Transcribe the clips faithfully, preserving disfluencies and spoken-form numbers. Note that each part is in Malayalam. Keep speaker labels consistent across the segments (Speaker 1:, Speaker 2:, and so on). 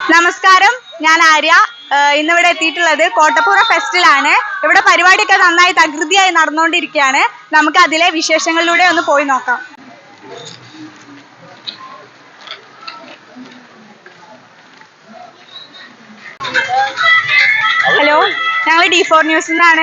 Speaker 1: നമസ്കാരം, ഞാൻ ആര്യ. ഇന്നിവിടെ എത്തിയിട്ടുള്ളത് കോട്ടപ്പുറം ഫെസ്റ്റിലാണ്. ഇവിടെ പരിപാടിയൊക്കെ നന്നായി തകൃതിയായി നടന്നുകൊണ്ടിരിക്കുകയാണ്. നമുക്ക് അതിലെ വിശേഷങ്ങളിലൂടെ ഒന്ന് പോയി നോക്കാം. ഹലോ, ഞങ്ങൾ ഡി ഫോർ ന്യൂസിൽ നിന്നാണ്.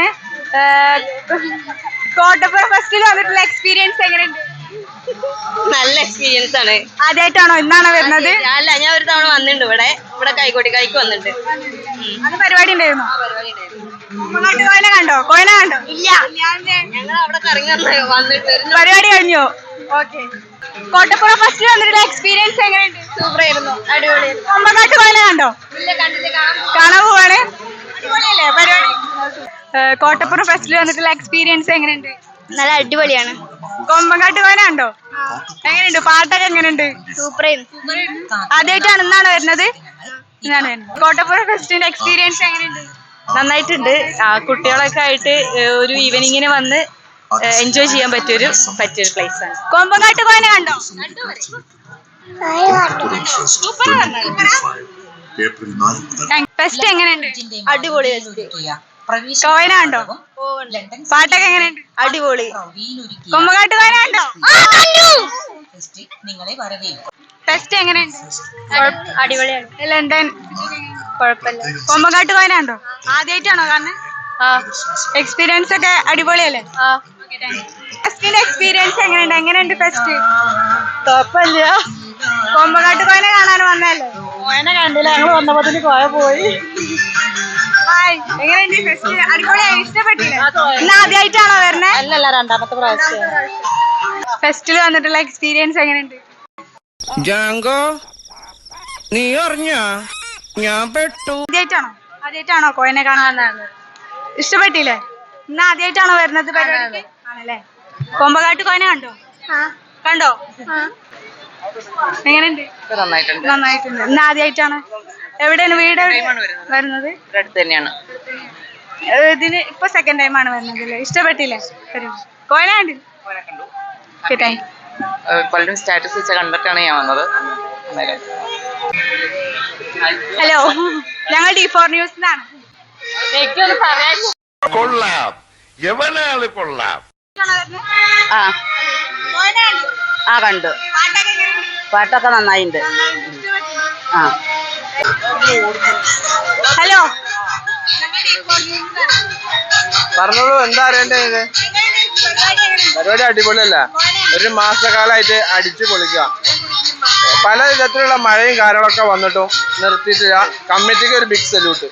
Speaker 1: കോട്ടപ്പുറം ഫെസ്റ്റിൽ വന്നിട്ടുള്ള എക്സ്പീരിയൻസ് എങ്ങനെയുണ്ട്?
Speaker 2: നല്ല എക്സ്പീരിയൻസ് ആണ്.
Speaker 1: ആദ്യമായിട്ടാണോ ഇന്നാണോ വരുന്നത്?
Speaker 2: അല്ല, ഞാൻ ഒരു തവണ വന്നിട്ടുണ്ട്. ഇവിടെ ഇവിടെ കൈക്കോട്ടി കൈക്ക് വന്നിട്ടുണ്ട്.
Speaker 1: അത് പരിപാടി ഉണ്ടായിരുന്നു. കോയന കണ്ടോ? കോയന കണ്ടോ?
Speaker 2: ഇല്ല, ഞങ്ങൾ അവിടെ കറങ്ങി വന്നിട്ട്
Speaker 1: പരിപാടി കഴിഞ്ഞോ? ഓക്കെ. കോട്ടപ്പുറം ഫെസ്റ്റിൽ വന്നിട്ടുള്ള എക്സ്പീരിയൻസ് എങ്ങനെയുണ്ട്?
Speaker 2: സൂപ്പർ ആയിരുന്നു, അടിപൊളി.
Speaker 1: കൊമ്പങ്കാട്ട് കോയന കണ്ടോ? കാണാൻ പോവാണ്. അടിപൊളിയല്ലേ പരിപാടി? കോട്ടപ്പുറം ഫെസ്റ്റിൽ വന്നിട്ടുള്ള എക്സ്പീരിയൻസ് എങ്ങനെയുണ്ട്?
Speaker 2: നല്ല അടിപൊളിയാണ്.
Speaker 1: കൊമ്പങ്കാട്ട് കോയന കണ്ടോ? എങ്ങനെയുണ്ട്? പാട്ടൊക്കെ എങ്ങനെയുണ്ട്?
Speaker 2: സൂപ്പർ
Speaker 1: ആദ്യമായിട്ടാണ് ഇന്നാണ് വരുന്നത്? ഇന്നാണ് വരുന്നത്. കോട്ടപ്പുറം ഫെസ്റ്റിന്റെ എക്സ്പീരിയൻസ് എങ്ങനെയുണ്ട്?
Speaker 2: നന്നായിട്ടുണ്ട്. ആ കുട്ടികളൊക്കെ ആയിട്ട് ഒരു ഈവനിങ്ങിന് വന്ന് എൻജോയ് ചെയ്യാൻ പറ്റിയൊരു പറ്റിയൊരു പ്ലേസ് ആണ്.
Speaker 1: കൊമ്പങ്കാട്ട് കോയന കണ്ടോ? ഫെസ്റ്റ് എങ്ങനെയുണ്ട്?
Speaker 2: അടിപൊളി.
Speaker 1: കോയന കണ്ടോ? പാട്ടൊക്കെ എങ്ങനെയുണ്ട്?
Speaker 2: അടിപൊളി.
Speaker 1: കൊമ്പങ്കാട്ട് കോയന കണ്ടോ? ഫെസ്റ്റ് എങ്ങനെയുണ്ട്?
Speaker 2: അടിപൊളിയാണ്.
Speaker 1: ലണ്ടൻ
Speaker 2: കുഴപ്പമില്ല.
Speaker 1: കൊമ്പങ്കാട്ട് കോയന കണ്ടോ? ആദ്യമായിട്ടാണോ കാണുന്നത്?
Speaker 2: ആ,
Speaker 1: എക്സ്പീരിയൻസ് ഒക്കെ അടിപൊളിയല്ലേ?
Speaker 2: ആ.
Speaker 1: ഫെസ്റ്റിന്റെ എക്സ്പീരിയൻസ് എങ്ങനെയുണ്ട്? എങ്ങനെയുണ്ട് ഫെസ്റ്റ്?
Speaker 2: കുഴപ്പമില്ല.
Speaker 1: കൊമ്പങ്കാട്ട് കോയന കാണാൻ വന്നല്ലേ?
Speaker 2: കോയനെ കണ്ടില്ല, ഞങ്ങൾ വന്നപ്പോ കോയ പോയി.
Speaker 1: ഹായ്, എങ്ങനെയുണ്ട് ഫെസ്റ്റ്? അടിപൊളിയായി, ഇഷ്ടപ്പെട്ടില്ലേ? ഇന്ന് ആദ്യമായിട്ടാണോ വരണേ?
Speaker 2: അല്ലല്ല, രണ്ടാമത്തെ പ്രാവശ്യം.
Speaker 1: ഫെസ്റ്റിൽ വന്നിട്ടുള്ള എക്സ്പീരിയൻസ് എങ്ങനെയുണ്ട്?
Speaker 3: ജാങ്കോ, നീ അറിഞ്ഞ ഞാൻ പെട്ടു.
Speaker 1: ആദ്യമായിട്ടാണോ ആദ്യമായിട്ടാണോ കോയനെ കാണാനാണ്? ഇഷ്ടപ്പെട്ടില്ലേ? ഇന്ന് ആദ്യമായിട്ടാണോ വരുന്നത് പരിപാടിക്ക്? ആണല്ലേ. കൊമ്പങ്കാട്ട് കോയന കണ്ടോ? കണ്ടോ? എങ്ങനെയുണ്ട്?
Speaker 2: നന്നായിട്ടുണ്ട്.
Speaker 1: നന്നായിട്ടുണ്ട്. ഇന്ന് ആദ്യമായിട്ടാണ്. എവിടെയാണ് വീട്? വരുന്നത്
Speaker 2: അടുത്ത് തന്നെയാണ്.
Speaker 1: ഇതിന് ഇപ്പൊ സെക്കൻഡ് ടൈം ആണ് വരുന്നത് അല്ലേ? ഇഷ്ടപ്പെട്ടില്ലേ? കോയന കണ്ടു.
Speaker 2: പലരും സ്റ്റാറ്റസ് വെച്ച കണ്ടിട്ടാണ് ഞാൻ വന്നത്.
Speaker 1: ഹലോ, ഞങ്ങൾ ഡി ഫോർ ന്യൂസിലാണ്.
Speaker 4: കൊള്ളാം, എവനാള് കൊള്ളാം.
Speaker 2: ആ ആ കണ്ടു. പാട്ടൊക്കെ നന്നായിട്ടുണ്ട്. ആ,
Speaker 1: ഹലോ,
Speaker 5: പറഞ്ഞോളൂ, എന്താ അറിയണ്ടേ? ഇത് പരിപാടി അടിപൊളിയല്ല. ഒരു മാസക്കാലമായിട്ട് അടിച്ചു പൊളിക്കുക. പല വിധത്തിലുള്ള മഴയും കാര്യങ്ങളൊക്കെ വന്നിട്ടും നിർത്തിയിട്ടില്ല. കമ്മിറ്റിക്ക് ഒരു ബിഗ് സല്യൂട്ട്.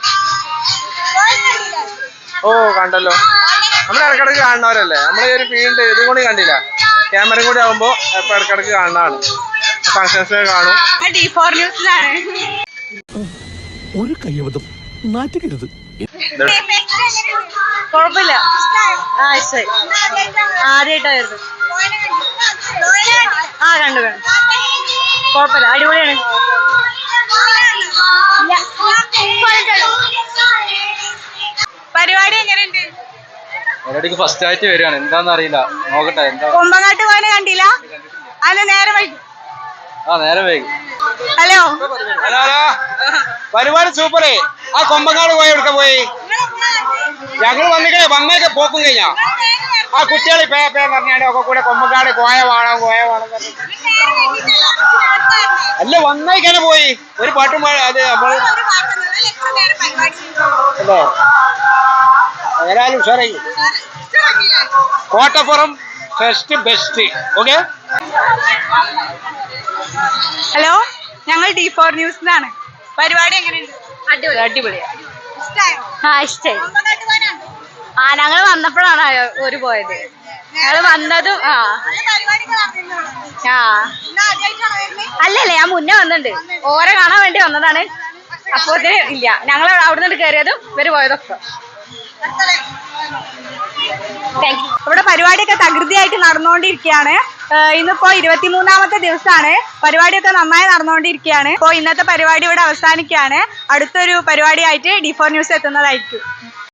Speaker 5: ഓ, കണ്ടല്ലോ. നമ്മൾ ഇടക്കിടക്ക് കാണുന്നവരല്ലേ. നമ്മളെ ഒരു ഫീൽഡ് ഇതും കൂടി കണ്ടില്ല. ക്യാമറയും കൂടി ആകുമ്പോ ഇപ്പൊ ഇടക്കിടക്ക് കാണുന്നതാണ്. ഫങ്ഷൻസ് കാണും.
Speaker 1: ഡി ഫോർ ന്യൂസിലാണ്.
Speaker 3: ഒരു കയ്യബദ്ധം നാറ്റുകരുത്.
Speaker 2: കുഴപ്പമില്ല. ആ, ഇഷ്ടമായി. ആദ്യമായിട്ടായിരുന്നു. ആ, കണ്ടു കണ്ടു. കുഴപ്പമില്ല, അടിപൊളിയാണ്.
Speaker 1: പരിപാടി എങ്ങനെയുണ്ട്?
Speaker 5: പരിപാടിക്ക് ഫസ്റ്റ് ആയിട്ട് വരികയാണ്. എന്താന്ന് അറിയില്ല, നോക്കട്ടെ. എന്താ
Speaker 1: കൊമ്പങ്കാട്ട് കോയന കണ്ടില്ല? അത് നേരെ വൈകി.
Speaker 5: ആ, നേരെ വൈകി.
Speaker 1: ഹലോ,
Speaker 5: ഹലോ ഹലോ പരിപാടി സൂപ്പറേ. ആ കൊമ്പങ്ങാട് പോയി എവിടെ പോയി? ഞങ്ങൾ വന്നിക്കേ വന്നേക്കെ പോക്കും കഴിഞ്ഞാ. ആ കുട്ടികൾ പേ പേ പറഞ്ഞാണ്ട് ഒക്കെ കൂടെ കൊമ്പങ്ങാട് കോയ വേണം കോയ വേണം അല്ല വന്നേക്കാനെ പോയി. ഒരു പാട്ടും അത് നമ്മള് അല്ലേ ഏതായാലും ഉഷാറായി. Kottappuram fest best. Okay.
Speaker 1: Hello, ഞങ്ങൾ ഡി ഫോർ ന്യൂസിലാണ്. പരിപാടി എങ്ങനെയുണ്ട്?
Speaker 2: അടിപൊളിയാ.
Speaker 1: ഇഷ്ടായോ?
Speaker 2: ആ, ഇഷ്ടായി. ആ, ഞങ്ങൾ വന്നപ്പോഴാണ് ഒരു പോയത്. ഞങ്ങൾ വന്നതും ആ ആ അല്ലല്ലേ, ഞാൻ മുന്നേ വന്നിട്ടുണ്ട്. ഓരെ കാണാൻ വേണ്ടി വന്നതാണ്. അപ്പോ ഇല്ല, ഞങ്ങൾ അവിടെ നിന്ന് കയറിയതും ഇവര് പോയതൊക്കെ.
Speaker 1: ഇവിടെ പരിപാടിയൊക്കെ തകൃതിയായിട്ട് നടന്നുകൊണ്ടിരിക്കുകയാണ്. ഇന്നിപ്പോ ഇരുപത്തിമൂന്നാമത്തെ ദിവസമാണ്. പരിപാടിയൊക്കെ നന്നായി നടന്നുകൊണ്ടിരിക്കുകയാണ്. ഇപ്പോൾ ഇന്നത്തെ പരിപാടി ഇവിടെ അവസാനിക്കുകയാണ്. അടുത്തൊരു പരിപാടിയായിട്ട് ഡി ഫോർ ന്യൂസ് എത്തുന്നതായിരിക്കും.